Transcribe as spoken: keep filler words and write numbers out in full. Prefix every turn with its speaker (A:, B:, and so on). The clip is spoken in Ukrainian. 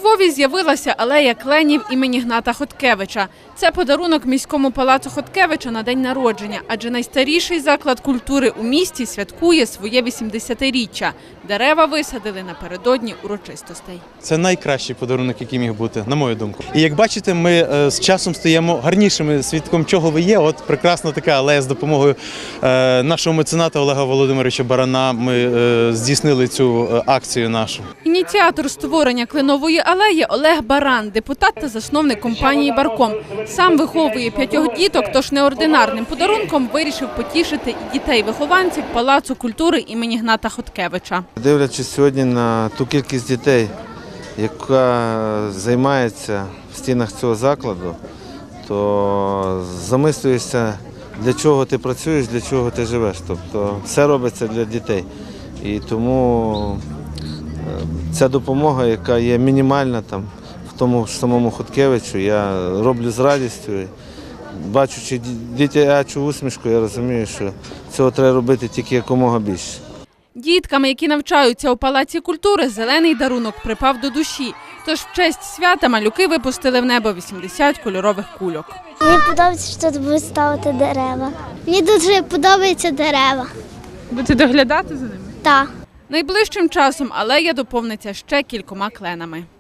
A: Львові з'явилася алея кленів імені Гната Хоткевича. Це подарунок міському палацу Хоткевича на день народження, адже найстаріший заклад культури у місті святкує своє вісімдесятиріччя. Дерева висадили напередодні урочистостей.
B: Це найкращий подарунок, який міг бути, на мою думку. І як бачите, ми з часом стаємо гарнішими, свідком чого ви є. От прекрасна така алея з допомогою нашого мецената Олега Володимировича Барана. Ми здійснили цю акцію нашу.
A: Ініціатор створення кленової алеї Олег Баран, депутат та засновник компанії «Барком». Сам виховує п'ятьох діток, тож неординарним подарунком вирішив потішити і дітей-вихованців Палацу культури імені Гната Хоткевича.
C: Дивлячись сьогодні на ту кількість дітей, яка займається в стінах цього закладу, то замислюєшся, для чого ти працюєш, для чого ти живеш. Тобто все робиться для дітей. І тому ця допомога, яка є мінімальна там, в тому ж самому Хоткевичу, я роблю з радістю. Бачучи дитячу усмішку, я розумію, що цього треба робити тільки якомога більше.
A: Дітками, які навчаються у Палаці культури, зелений дарунок припав до душі. Тож в честь свята малюки випустили в небо вісімдесят кольорових кульок.
D: Мені подобається, що тут будуть ставити дерева. Мені дуже подобаються дерева.
A: Будете доглядати за ними?
D: Так.
A: Найближчим часом алея доповниться ще кількома кленами.